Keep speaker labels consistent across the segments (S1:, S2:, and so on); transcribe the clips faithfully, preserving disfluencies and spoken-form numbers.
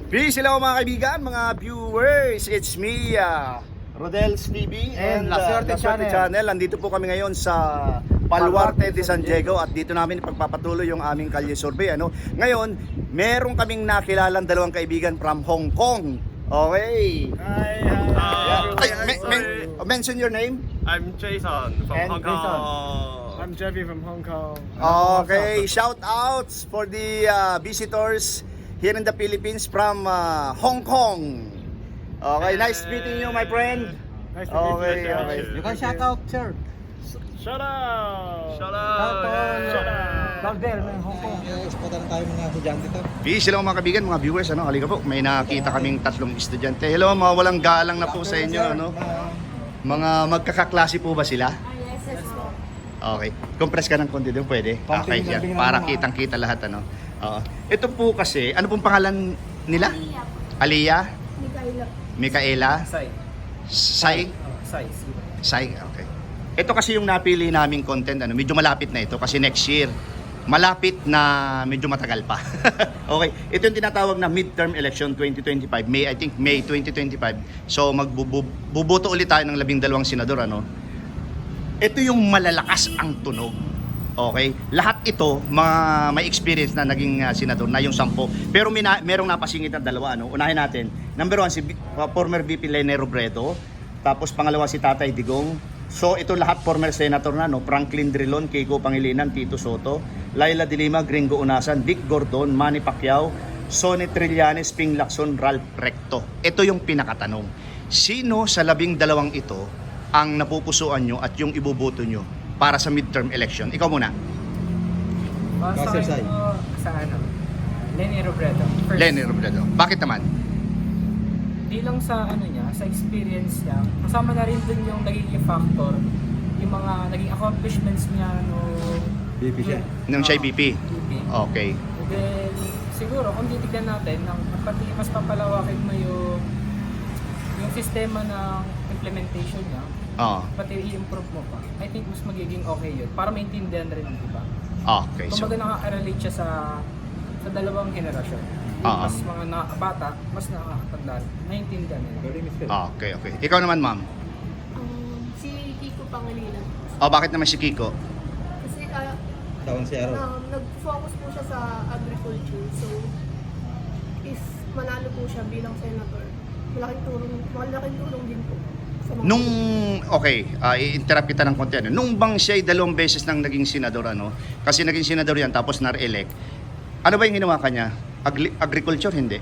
S1: Peace, hello mga kaibigan, mga viewers. It's me, uh, Rodel's T V and,
S2: And La Suerte
S1: uh, La Suerte
S2: Channel.
S1: Channel. Nandito po kami ngayon sa Baluarte de San Diego at dito namin ipagpapatuloy yung aming kalye survey. Ano? Ngayon, meron kaming nakilalang dalawang kaibigan from Hong Kong. Okay.
S2: Hi,
S1: Yeah.
S2: hi.
S1: Ay, men- men- mention your name.
S3: I'm Jason from
S2: And
S3: Hong Kong.
S2: I'm Jeffy from Hong Kong.
S1: Okay, shout outs for the uh, visitors here in the Philippines from uh, Hong Kong. Okay, nice meeting you, my friend.
S2: Nice to meet
S1: Okay,
S2: you.
S1: okay.
S2: You can shout out, sir. Shout out.
S3: Shout
S2: Shout
S3: out!
S2: out.
S3: Shout out!
S2: Valdel ng Hong Kong.
S4: Exportan tayo mga estudyante to.
S1: Peace, hello mga kaibigan, mga viewers, ano, halika po, may nakita kaming tatlong estudyante. Hello, mga walang galang na po sa inyo, ano. Mga magkakaklase po ba sila? Okay, compress ka ng konti doon, pwede? Okay, yan, para kitang-kita lahat, ano. Oo. Ito po kasi, ano pong pangalan nila? Aliyah?
S5: Mikaela.
S1: Micaela?
S2: Sai.
S1: Sai?
S2: Sai.
S1: Sai, okay. Ito kasi yung napili naming content, ano, medyo malapit na ito kasi next year. Malapit na medyo matagal pa. Okay, ito yung tinatawag na midterm election twenty twenty-five, May, I think May twenty twenty-five. So magbubuto ulit tayo ng labing dalawang senador, ano. Ito yung malalakas ang tunog. Okay? Lahat ito, mga may experience na naging uh, senador na yung sampo. Pero may na, merong napasingit na dalawa, ano. Unahin natin. Number one, si uh, former V P Lene Robredo. Tapos pangalawa si Tatay Digong. So ito lahat former senator na, no. Franklin Drilon, Kiko Pangilinan, Tito Soto, Laila de Lima, Gringo Unasan, Dick Gordon, Manny Pacquiao, Sonny Trillanes, Ping Lacson, Ralph Recto. Ito yung pinakatanong. Sino sa labing dalawang ito ang napupusuan nyo at yung ibuboto nyo para sa midterm election? Ikaw muna.
S2: Uh, sa,
S4: Master Sai.
S2: ano, sa ano? Lenny Robredo. First,
S1: Lenny Robredo. Bakit naman?
S2: Di lang sa ano niya, sa experience niya, kasama na rin dun yung nagiging factor, yung mga naging accomplishments niya no
S4: B P siya.
S1: Nung siya B P?
S2: B P.
S1: Okay.
S2: And then, siguro, kung titignan natin, ng, pati mas papalawakin mo yung yung sistema ng implementation niya,
S1: Oo.
S2: pati i-improve mo pa, I think mas magiging okay yun. Para maintindihan rin, di ba?
S1: Okay. So,
S2: Kumbaga nakaka-relate siya sa sa dalawang henerasyon. Yung
S1: Oo.
S2: mas mga na, bata, mas nakakatanda, naiintindihan nila.
S1: okay, okay. Ikaw naman, ma'am.
S5: Um, si Kiko Pangilinan.
S1: O, bakit naman si Kiko?
S5: Kasi uh,
S4: Taon si Aaron.
S5: um, nag-focus po siya sa agriculture. So, if manalo po siya bilang senator, malaking tulong, malaking tulong din po. Sa mga
S1: Nung, okay, uh, i-interrupt kita ng konti. Ano? Nung bang siya ay dalawang beses nang naging senador, ano? Kasi naging senador yan, tapos na-elect. Ano ba yung ginawa kanya? Agri- agriculture, hindi?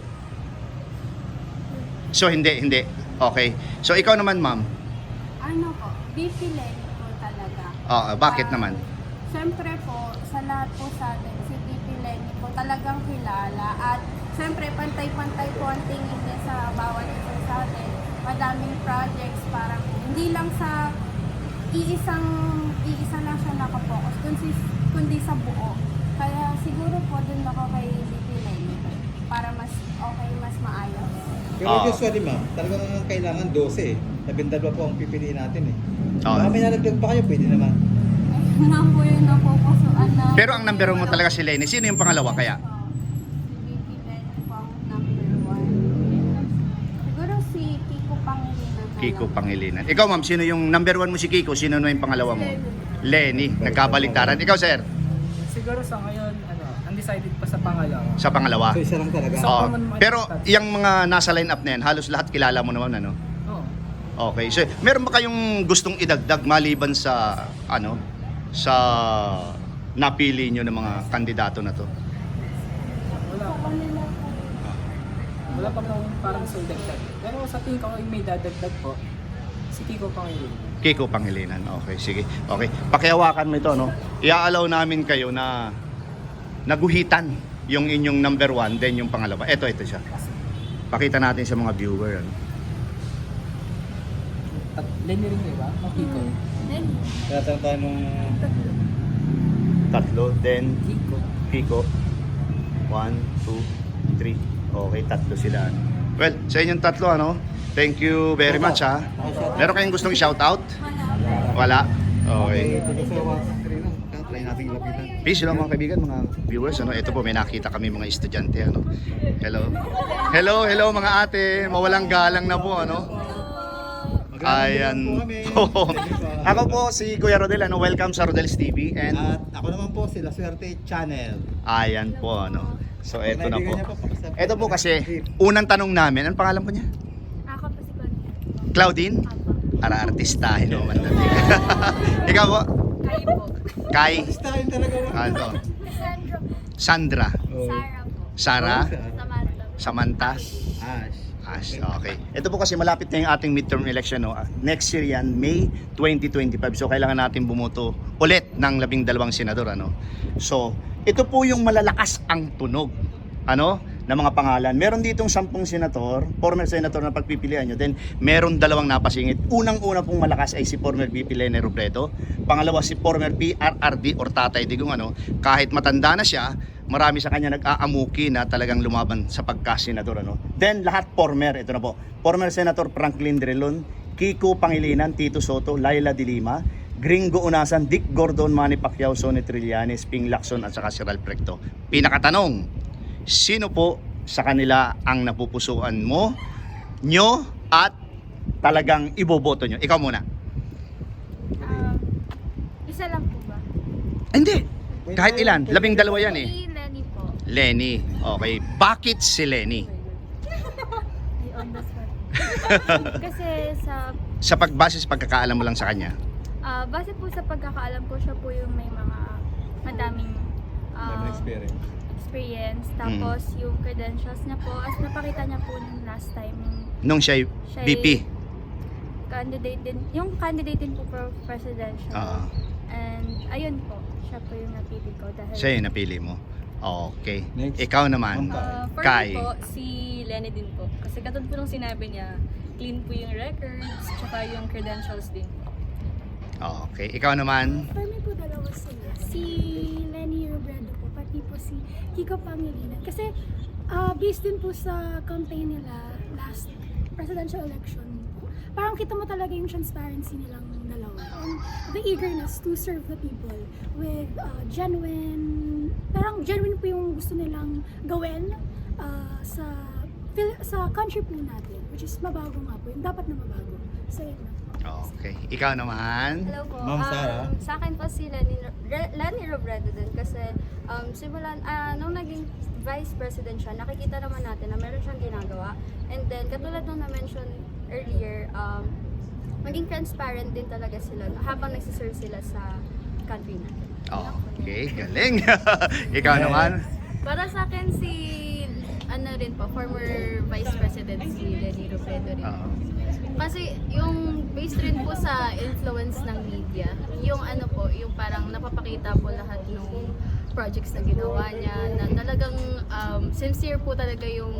S1: So, hindi, hindi. Okay. So, ikaw naman, ma'am.
S6: Ano po, B P Lenny po talaga.
S1: Ah, bakit
S6: Ah,
S1: naman?
S6: Siyempre po, sa lahat po sa atin, si B P Lenny po talagang kilala. At siyempre, pantay-pantay po ang tingin niya sa bawat isa sa atin. Madaming projects, parang hindi lang sa iisang, iisa lang siya nakapokus, kundi, kundi sa buo. Kaya siguro po dun ako kay B P Lenny para mas okay, mas maayos.
S4: Pero
S1: Ah.
S4: usually ma'am, talagang kailangan twelve eh. Labindalwa po ang pipiliin natin eh.
S1: Ah.
S4: Baka may nalagdag pa kayo, pwede naman.
S6: Ayun na po yung napupusuan na.
S1: Pero ang number one mo talaga si Lenny. Sino yung pangalawa kaya?
S6: Si B P Lenny po ang number one. Siguro si Kiko Pangilinan. na
S1: Kiko
S6: lang.
S1: Pangilinan. Ikaw, ma'am, sino yung number one mo si Kiko? Sino na yung pangalawa mo? Lenny. Nagkabaliktaran. Ikaw, sir?
S2: Siguro sa ngayon, ano, undecided pa sa pangalawa.
S1: Sa pangalawa?
S4: So isa lang talaga.
S2: So,
S1: Oo.
S2: common minded
S1: Pero
S2: tayo.
S1: yung mga nasa line-up na yan, halos lahat kilala mo naman, ano?
S2: Oo.
S1: Okay. So, meron ba kayong gustong idagdag maliban sa, ano, sa napili nyo ng mga kandidato na to?
S2: Wala pa. Wala pa akong parang sa dagdag. Pero sa tingin ko, yung may dadagdag po, si Kiko Pangilinan.
S1: Kiko Pangilinan. Okay, sige. Okay. Pakihawakan mo ito, no? Iaalaw namin kayo na naguhitan yung inyong number one, then yung pangalawa. Ito, ito siya. Pakita natin sa mga viewer. Ano?
S2: At Lenny rin, di ba? O Kiko?
S5: Lenny.
S4: Tinatanong tayo nung
S1: Tatlo, then
S2: Kiko.
S1: Kiko. One, two, three. Okay, tatlo sila. Ano? Well, sa inyong tatlo, ano? Thank you very much, ha? Meron kayong gustong i-shoutout? Wala. Okay.
S4: taga sa one, three lang. try nating lapitan.
S1: Peace lang mga kaibigan, mga viewers. Ano, ito po may nakita kami mga estudyante. Ano. Hello. Hello, hello mga ate. Mawalang galang na po. Ano. Ayan. Po. Ako po si Kuya Rodel. Ano, welcome sa Rodel's T V. And
S4: At ako naman po si La Suerte Channel.
S1: ayan po. Ano. So ito na po.
S4: Kaibigan niya pakisap-
S1: Ito po kasi unang tanong namin. Anong pangalan po niya?
S6: Ako po si Claudia.
S1: Claudine?
S6: Apo.
S1: Ara artistahin naman natin. Ikaw po?
S6: Kayo po.
S1: Kai?
S4: Artistahin talaga.
S1: Ano?
S6: Sandra po.
S1: Sandra?
S4: Oh.
S6: Sarah po.
S1: Sarah?
S6: Samantha.
S1: Samantha?
S4: Ash.
S1: Ash, okay. Ito po kasi malapit na yung ating midterm election, no? Next year yan, May twenty twenty-five. So kailangan natin bumoto ulit ng labing dalawang senador, ano? So, ito po yung malalakas ang tunog, ano? Na mga pangalan. Meron ditong sampung senator, former senator na pagpipilian nyo. Then, meron dalawang napasingit. Unang-una pong malakas ay si former V P Leni Robredo. Pangalawa si former P R R D or Tatay Digong, ano? Kahit matanda na siya, marami sa kanya nag-aamuki na talagang lumaban sa pagka-senador, ano? Then, lahat former. Ito na po. Former Senator Franklin Drilon, Kiko Pangilinan, Tito Soto, Laila de Lima, Gringo Unasan, Dick Gordon, Manny Pacquiao, Sonny Trillanes, Ping Lacson at saka si Ralph Recto. Pinakatanong, sino po sa kanila ang napupusuan mo, nyo, at talagang iboboto nyo? Ikaw muna.
S6: Um, isa lang po ba?
S1: Hindi. Kahit ilan. Labing dalawa yan eh.
S6: Si Lenny po.
S1: Lenny. Okay. Bakit si Lenny?
S6: Ay, on the spot. Kasi sa
S1: Sa pagbase sa pagkakaalam mo lang sa kanya.
S6: ah, base po sa pagkakaalam ko, siya po yung may mga madaming ah,
S4: Daming experience.
S6: experience.
S1: Mm.
S6: Tapos yung credentials niya po, as napakita niya po nung last time, yung
S1: Nung siya
S6: siya
S1: V P.
S6: candidate din, yung candidate din po for presidential.
S1: Oo.
S6: And ayun po, siya po yung napili ko dahil
S1: Siya yung napili mo. Okay.
S4: Next.
S1: Ikaw naman.
S4: Ma'am
S3: Uh, for
S1: Kai.
S3: me po, si Lenny din po. Kasi katulad po nung sinabi niya, clean po yung records, tsaka yung credentials din po.
S1: Okay. Ikaw naman.
S7: For me po dalawa sila. Si Lenny Robredo po, pati po si Kiko Pangilinan. Kasi ah, based din po sa campaign nila last presidential election po, parang kita mo talaga yung transparency nilang dalawa. And the eagerness to serve the people with ah, genuine, parang genuine po yung gusto nilang gawin ah, sa Phil- sa country po natin, which is mabago nga po, yung dapat na mabago. So yun lang.
S1: Okay. Ikaw naman.
S6: Hello po.
S4: Ma'am Sarah.
S6: Um, sa akin po si Lenny, Re- Lenny Robredo din kasi um, simulan, ah, nung naging vice president siya, nakikita naman natin na meron siyang ginagawa. And then, katulad nung na-mention earlier, um, maging transparent din talaga sila habang nagsiserve sila sa country natin.
S1: Okay. Galing. Ikaw naman.
S3: Para sa akin si, ano rin po, former Vice President si Lenny Robredo rin.
S1: Oo.
S3: Kasi yung based rin po sa influence ng media, yung ano po, yung parang napapakita po lahat ng projects na ginawa niya, na talagang um, sincere po talaga yung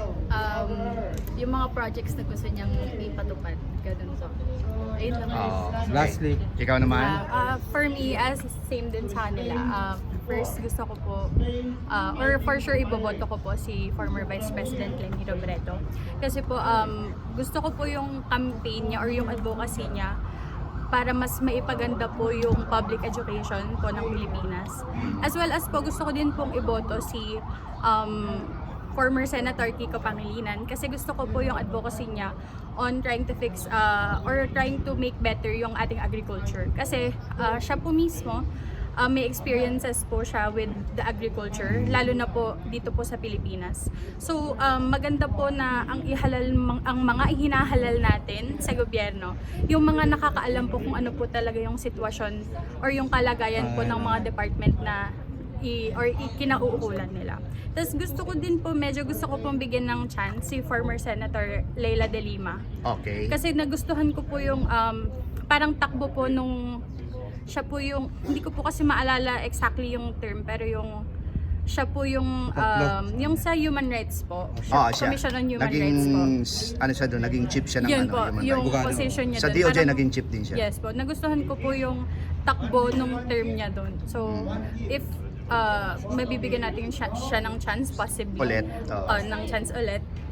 S3: um, yung mga projects na gusto niyang ipatupad. Ganun po. Ayun lang.
S1: Oh, okay.
S4: Lastly.
S1: Ikaw naman.
S8: Uh, for me, as same din sa kanila, uh, first gusto ko po, uh, or for sure iboboto ko po si former Vice President Lenny Robredo. Kasi po, um, gusto ko po yung campaign niya or yung advocacy niya para mas maipaganda po yung public education po ng Pilipinas. As well as po, gusto ko din pong iboto si um, former Senator Kiko Pangilinan kasi gusto ko po yung advocacy niya on trying to fix uh, or trying to make better yung ating agriculture. Kasi uh, siya po mismo, uh, may experiences po siya with the agriculture, lalo na po dito po sa Pilipinas. So um, maganda po na ang ihalal mang- ang mga hinahalal natin sa gobyerno, yung mga nakakaalam po kung ano po talaga yung sitwasyon or yung kalagayan po ng mga department na i or ikinauukulan nila. Tapos gusto ko din po, medyo gusto ko pong bigyan ng chance si former Senator Laila de Lima.
S1: Okay.
S8: Kasi nagustuhan ko po yung um, parang takbo po nung siya po yung, hindi ko po kasi maalala exactly yung term, pero yung siya po yung um, yung sa human rights po.
S1: Oh, siya.
S8: Commission on Human
S1: naging,
S8: Rights po.
S1: ano siya doon, naging chief siya ng
S8: Yun
S1: ano,
S8: po,
S1: human
S8: yung
S1: rights.
S4: Abogado.
S8: position niya
S1: Sa
S8: doon.
S1: D O J
S8: Parang-
S1: naging chief din siya.
S8: Yes po, nagustuhan ko po yung takbo nung term niya doon. So, if uh, mabibigyan natin siya, siya ng chance, possibly,
S1: Ulit, oo.
S8: uh, ng chance ulit,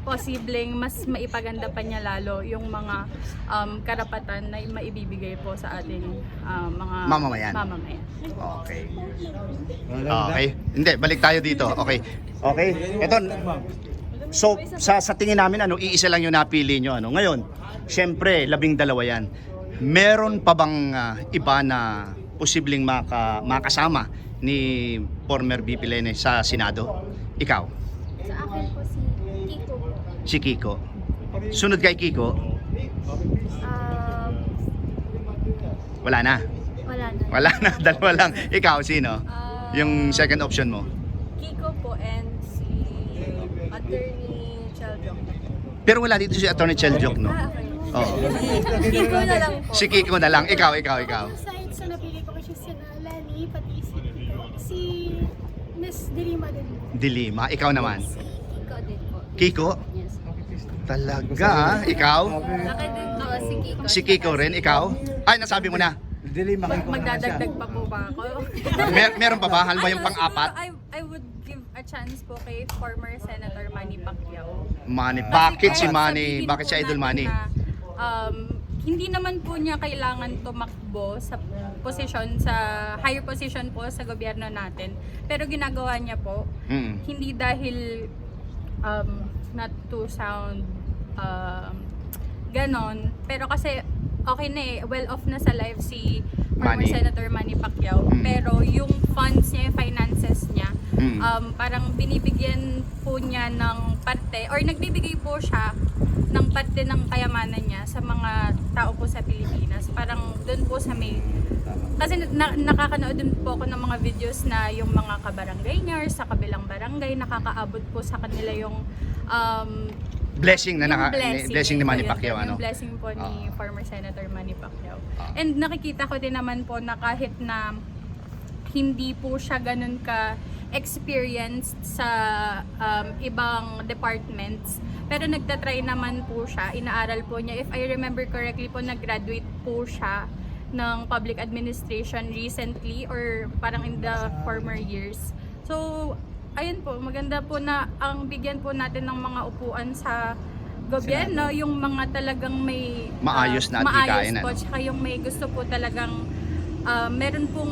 S8: posibleng mas maipaganda pa niya lalo yung mga um, karapatan na maibibigay po sa ating um, mga
S1: Mamamayan.
S8: mamamayan.
S1: Okay.
S4: Wala
S1: Okay. Hindi, balik tayo dito. Okay. Okay. Ito, so sa sa tingin namin ano, iisa lang yung napili nyo ano. Ngayon, syempre, labing dalawa yan. Meron pa bang ah, iba na posibleng maka, makasama ni former V P Lene sa Senado? Ikaw,
S3: Sa akin po si Kiko po.
S1: si Kiko. Sunod kay Kiko,
S3: Um,
S1: wala na.
S3: wala na.
S1: Wala na, dalawa lang. Ikaw, sino?
S8: Ah,
S1: Yung second option mo.
S8: Kiko po and si Attorney Cheldon.
S1: Pero wala dito si Attorney Cheljok, no?
S8: Ah, okay.
S1: Oo.
S8: Kiko na lang po.
S1: Si Kiko na lang. Ikaw, ikaw, ikaw.
S7: Aside sa napili ko kasi si Lenny, pati si si Miss Dirima din po.
S1: Dilima. Ikaw naman.
S3: Si Kiko din po.
S1: Kiko?
S3: Yes.
S1: Talaga, ah. Ikaw?
S3: Akin din po si Kiko.
S1: Si Kiko rin, ikaw? Ay, nasabi mo na.
S4: Dili,
S8: Mag-
S4: makikita
S8: magdadagdag pa po ba ako?
S1: Mer meron pa ba? Halimbawa yung
S8: Ano,
S1: pang-apat?
S8: siguro I, I would give a chance po kay former Senator Manny Pacquiao.
S1: Manny.
S8: Kasi
S1: Bakit si
S8: kahit
S1: Manny?
S8: sabihin
S1: Bakit
S8: po
S1: si Idol
S8: natin
S1: Manny?
S8: na, um, hindi naman po niya kailangan tumakbo sa posisyon, sa higher position po sa gobyerno natin. Pero ginagawa niya po,
S1: Mm.
S8: hindi dahil um, not to sound um, ganon, pero kasi okay na eh, well off na sa life si former
S1: Manny.
S8: Senator Manny Pacquiao.
S1: Mm.
S8: Pero yung funds niya, yung finances niya,
S1: Mm.
S8: um, parang binibigyan po niya ng parte, or nagbibigay po siya ng parte ng kayamanan niya sa mga tao po sa Pilipinas. Parang doon po sa may... Kasi na, nakakanood din po ako ng mga videos na yung mga kabarangay niya or sa kabilang barangay, nakakaabot po sa kanila yung um,
S1: Blessing na
S8: yung
S1: naka,
S8: blessing,
S1: blessing ni Manny
S8: Yun,
S1: Pacquiao, ano?
S8: Yung blessing po ni
S1: Ah.
S8: former Senator Manny Pacquiao.
S1: Ah.
S8: And nakikita ko din naman po na kahit na hindi po siya ganun ka experienced sa um, ibang departments, pero nagtatry naman po siya, inaaral po niya. If I remember correctly po, nag-graduate po siya ng public administration recently or parang in the former years. So, ayun po, maganda po na ang bigyan po natin ng mga upuan sa gobyerno, yung mga talagang may
S1: Maayos na
S8: ah, maayos
S1: adhikain,
S8: po,
S1: ano?
S8: tsaka yung may gusto po talagang ah, meron pong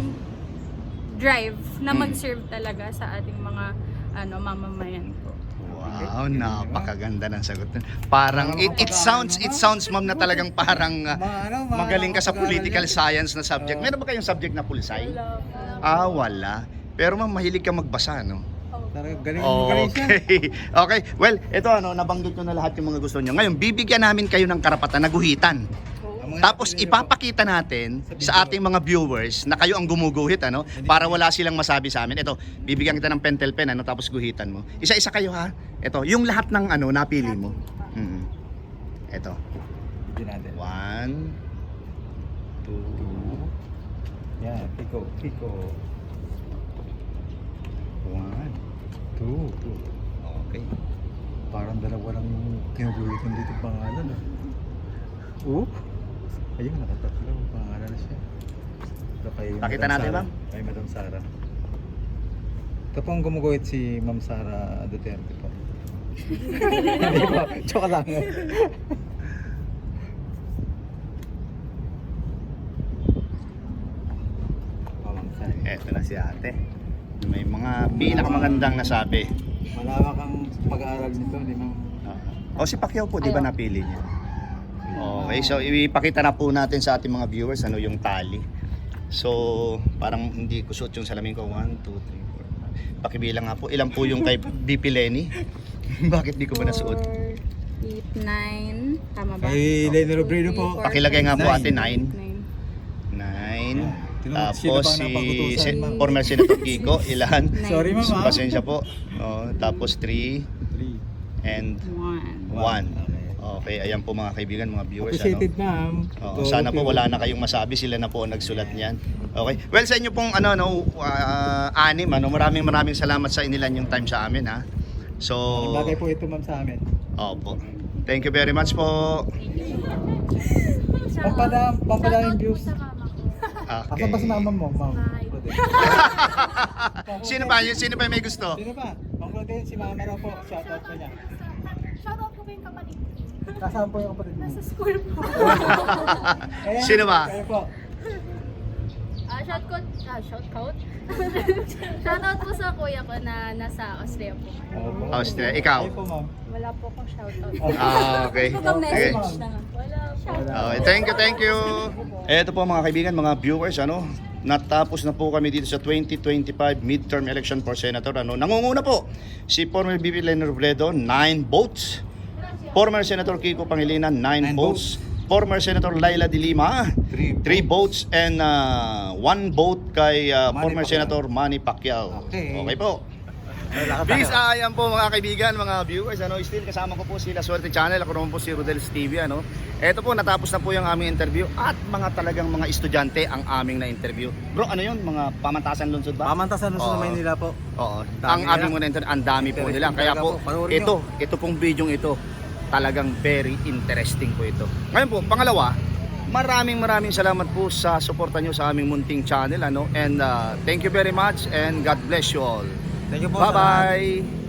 S8: drive na
S1: Mm.
S8: mag-serve talaga sa ating mga ano mamamayan po.
S1: Wow, napakaganda ng sagot. Parang it, it sounds it sounds ma'am na talagang parang uh,
S4: Ma- ano, ma-
S1: magaling ka sa
S4: pag-aaral
S1: political
S4: yan.
S1: science na subject. Meron ba kayong subject na pulisay? Ah, wala. Pero ma'am, mahilig ka magbasa, no?
S4: Talaga, galing, galing siya.
S1: Okay. Okay. Well, ito ano, nabanggit ko na lahat yung mga gusto niyo. Ngayon, bibigyan namin kayo ng karapatan na guhitan.
S4: Ang mga
S1: Tapos
S4: napili
S1: ipapakita natin sa ating mga viewers na kayo ang gumuguhit, ano, para wala silang masabi sa amin. Ito, bibigyan kita ng pentel pen, ano, tapos guhitan mo. Isa-isa kayo ha. Ito, yung lahat ng ano napili mo. Mm. Ito.
S4: Hindi natin.
S1: One, two,
S4: Yan, Kiko, Kiko.
S1: one,
S4: Two. Two.
S1: okay.
S4: Parang dalawa lang kinugulitan dito pangalan. Ah. Oh? Ayun, nakatatlo. Pangalan na siya. Ito kay
S1: Pakita
S4: Madam
S1: natin,
S4: Sara.
S1: ma'am.
S4: Kay Madam Sara. Ito po ang gumuguhit si Ma'am Sara Duterte po. Hindi po, joke lang. Oh, Ma'am Sara.
S1: Eto na si ate. May mga pinakamagandang nasabi.
S4: Malawak ang pag-aaral nito, di ma'am?
S1: O si Pacquiao po, di ba napili niya? Okay, so ipakita na po natin sa ating mga viewers ano yung tali. So, parang hindi ko suot yung salamin ko. one, two, three, four, five. Pakibilang nga po. Ilan po yung kay V P Lenny? Bakit di ko ba nasuot?
S8: eight, nine, tama ba?
S4: Kay Lenny Robredo po.
S1: Pakilagay nga po
S4: Nine.
S1: ate, nine.
S8: nine.
S1: Nine.
S4: Tinanong sino
S1: Tapos
S4: ba ang
S1: si
S4: napagutusan,
S1: si-
S4: ma'am?
S1: former Senator Kiko, ilan?
S4: Sorry ma'am ah.
S1: Pasensya po. Oh, tapos three
S4: Three.
S1: and
S8: One.
S1: one.
S4: Okay.
S1: Okay, ayan po mga kaibigan, mga viewers.
S4: Appreciated
S1: Ano?
S4: ma'am.
S1: Oo,
S4: Go,
S1: sana po
S4: go.
S1: wala na kayong masabi, sila na po ang nagsulat niyan. Okay. Well, sa inyo pong ano no ah, anim ano, maraming maraming salamat sa inilan yung time sa amin ha. So,
S4: Bagay po ito ma'am sa amin.
S1: opo. Thank you very much po.
S4: Pampada, pampada yung views.
S1: Okay.
S4: Asan ba si mama mo, ma'am?
S1: Sino ba? Sino ba may gusto?
S4: Sino ba? Ma'am Claudine, si mama raw po. Shoutout ko niya.
S7: po yung kapatid ko.
S4: Kasama po yung kapatid mo.
S7: Nasa school po.
S4: Kaya-
S1: Sino ba?
S4: Kaya po.
S3: Ah, shout out, ah, shout out. Shout out po sa kuya ko na nasa Austria po.
S4: Opo.
S1: Austria. Ikaw?
S4: Kayo po, ma'am.
S8: Wala po akong shoutout.
S1: Ah, okay.
S8: Ibang
S1: Okay.
S8: message na. Wala po.
S1: Okay, thank you, thank you. Eto po mga kaibigan, mga viewers, ano, natapos na po kami dito sa twenty twenty-five midterm election for senator. Ano, nangunguna po si former B P Leni Robredo, nine votes. Former Senator Kiko Pangilinan, nine
S4: Nine
S1: votes. Former Senator Laila De Lima,
S4: Three
S1: three votes. And uh, one vote kay uh,
S4: Manny
S1: former
S4: Pacquiao.
S1: Senator Manny Pacquiao.
S4: Okay.
S1: Okay po.
S4: Lakad
S1: Peace,
S4: tayo.
S1: ayan po mga kaibigan, mga viewers, ano, still kasama ko po si La Suerte Channel, ako naman po si Rodel's T V, ano. Ito po, natapos na po yung aming interview at mga talagang mga estudyante ang aming na-interview. Bro, ano yun? Mga pamantasan lungsod ba?
S4: Pamantasan
S1: Oo.
S4: sa Maynila po.
S1: Oo.
S4: Dami
S1: Ang
S4: nila.
S1: aming mga na-interview, ang dami po nila.
S4: Interesting
S1: Kaya
S4: talaga
S1: po,
S4: po. Panoorin
S1: ito, ito pong video ito, talagang very interesting po ito. Ngayon po, pangalawa, maraming maraming salamat po sa suporta nyo sa aming munting channel, ano. And uh, thank you very much and God bless you all.
S4: Thank you po. sa lahat.
S1: Bye-bye!